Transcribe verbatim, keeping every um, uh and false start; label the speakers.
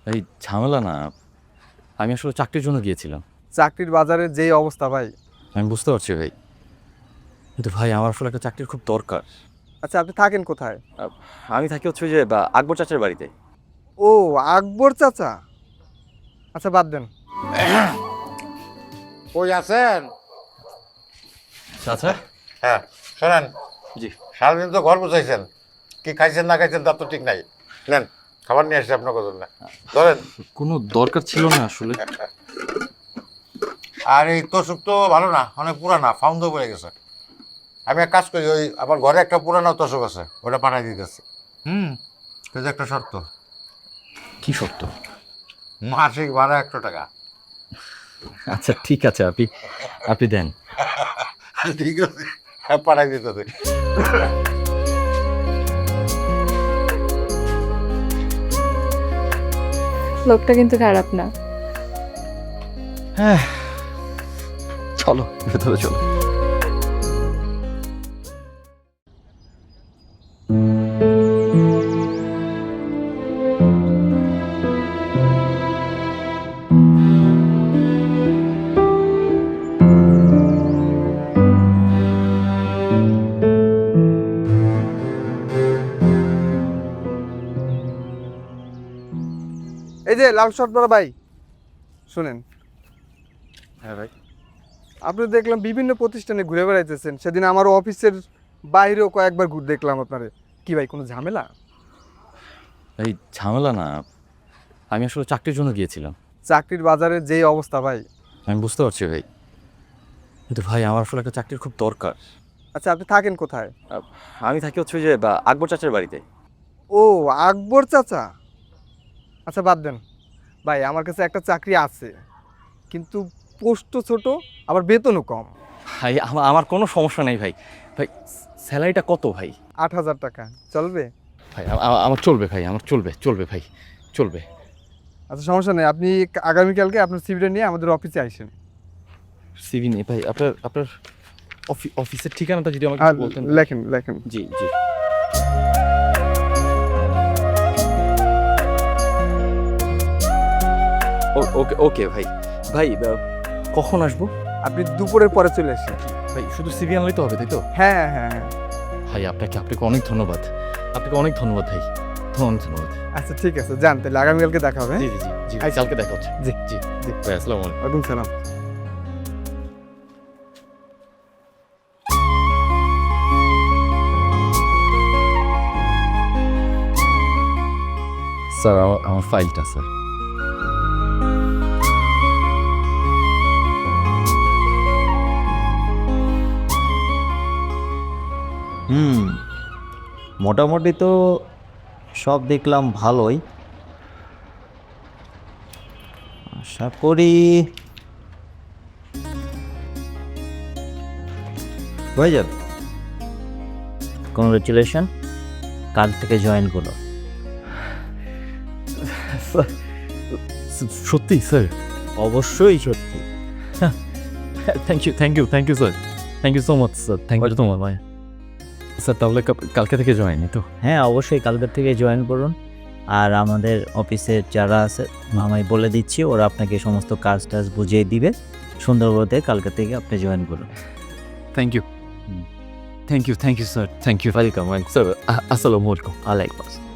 Speaker 1: ভাই ঝামেলা না, আমি আসলে চাকরির জন্য গিয়েছিলাম।
Speaker 2: চাকরির বাজারে যেই অবস্থা ভাই।
Speaker 1: আমি বুঝতে পারছি ভাই, কিন্তু ভাই আমার আসলে একটা চাকরির খুব দরকার।
Speaker 2: আচ্ছা, আপনি থাকেন কোথায়?
Speaker 1: আহ, আমি থাকি হচ্ছে ওই যে বা, আকবর চাচার বাড়িতে।
Speaker 2: ও, আকবর চাচা। আচ্ছা, বাদ দেন।
Speaker 3: কই আছেন?
Speaker 1: চাচা?
Speaker 3: হ্যাঁ, শোনেন,
Speaker 1: জি।
Speaker 3: সারাদিন তো ঘর বুঝাইছেন, কি খাইছেন না খাইছেন তার তো ঠিক নাই। নেন, খাবার নিয়ে আসছি আপনার জন্য, ধরেন।
Speaker 1: কোনো দরকার ছিল না আসলে।
Speaker 3: আর এই তোষক তো ভালো না, অনেক পুরানা, ফাউন্ড পড়ে গেছে। আমি এক কাজ করি, ওই আমার ঘরে একটা পুরানো তোষক আছে, ওটা পাঠাই দিতেছি। হুম, কিন্তু একটা শর্ত,
Speaker 1: কি শর্ত?
Speaker 3: মাসিক ভাড়া একশো টাকা।
Speaker 1: আচ্ছা ঠিক আছে, আপনি আপনি দেন।
Speaker 3: ঠিক আছে, হ্যাঁ, পাঠাই দিতেছি।
Speaker 4: লোকটা কিন্তু খারাপ না।
Speaker 1: হ্যাঁ, চলো ভেতরে চলো।
Speaker 2: এই যে লাল শর্ট পরা ভাই, শুনেন,
Speaker 1: হ্যাঁ ভাই।
Speaker 2: আপনি দেখলাম বিভিন্ন প্রতিষ্ঠানে ঘুরে বেড়াইতেছেন। সেদিন আমার অফিসের বাইরেও কয়েকবার ঘুরে দেখলাম আপনারে। কি ভাই, কোনো ঝামেলা?
Speaker 1: ভাই ঝামেলা না, আমি আসলে চাকরির জন্য গিয়েছিলাম।
Speaker 2: চাকরির বাজারে যেই অবস্থা ভাই।
Speaker 1: আমি বুঝতে পারছি ভাই, কিন্তু ভাই আমার আসলে একটা চাকরির খুব দরকার।
Speaker 2: আচ্ছা, আপনি থাকেন কোথায়?
Speaker 1: আহ, আমি থাকি হচ্ছে ওই যে বা, আকবর চাচার বাড়িতে।
Speaker 2: ও, আকবর চাচা। আচ্ছা, বাদ দেন ভাই, আমার কাছে একটা চাকরি আছে, কিন্তু পোস্টও ছোট, আবার বেতনও কম।
Speaker 1: ভাই আমা- আমার কোনো সমস্যা নেই ভাই। ভাই স্যালারিটা কত ভাই?
Speaker 2: আট হাজার টাকা চলবে?
Speaker 1: ভাই আ- আ- আমার চলবে ভাই, আমার চলবে চলবে ভাই, চলবে।
Speaker 2: আচ্ছা, সমস্যা নেই, আপনি আগামীকালকে আপনার সিভিটা নিয়ে আমাদের অফিসে আসেন।
Speaker 1: সিভি নেই ভাই, আপনার আপনার অফি- অফিসের ঠিকানাটা যদি আমাকে
Speaker 2: আর
Speaker 1: একটু বলতেন।
Speaker 2: লেখেন লেখেন।
Speaker 1: জি জি। ও- ওকে ওকে ভাই। ভাই আহ, কখন আসবো?
Speaker 2: আপনি দুপুরের পরে চলে আসেন।
Speaker 1: ভাই শুধু সিভি আনলেই তো হবে, তাই তো?
Speaker 2: হ্যাঁ হ্যাঁ হ্যাঁ।
Speaker 1: ভাই আপনাকে আপনাকে অনেক ধন্যবাদ, আপনাকে অনেক ধন্যবাদ ভাই, অনেক ধন্যবাদ।
Speaker 2: আচ্ছা ঠিক আছে, যান তাহলে, আগামীকালকে দেখা হবে।
Speaker 1: জি জি জি জি ভাই,
Speaker 2: আচ্ছা।
Speaker 1: কালকে দেখা হচ্ছে।
Speaker 2: জি
Speaker 1: জি
Speaker 2: জি।
Speaker 1: ভাই, আসসালামু আলাইকুম।
Speaker 2: ওয়ালাইকুম সালাম।
Speaker 1: স্যার আমার আমার ফাইলটা স্যার।
Speaker 5: হুম, মোটামুটি তো সব দেখলাম ভালোই। আশা করি হয়ে যাবে। কংগ্রেচুলেশন, কাল থেকে জয়েন করো।
Speaker 1: স্যার সত্যি স্যার?
Speaker 5: অবশ্যই সত্যি।
Speaker 1: Thank you thank you thank you sir, thank you so much sir, thank you so much ভাই। স্যার তাহলে কাল- কালকে থেকে জয়েন তো?
Speaker 5: হ্যাঁ, অবশ্যই কালকের থেকে জয়েন করুন। আর আমাদের অফিসের যারা আছে আমি বলে দিচ্ছি, ওরা আপনাকে সমস্ত কাজ টাজ বুঝিয়ে দিবে সুন্দরবনে। কালকে থেকে আপনি জয়েন করুন।
Speaker 1: Thank you thank you thank you sir, thank you, welcome sir. আসসালামু আলাইকুম।
Speaker 5: আলাইকুম আসসালাম।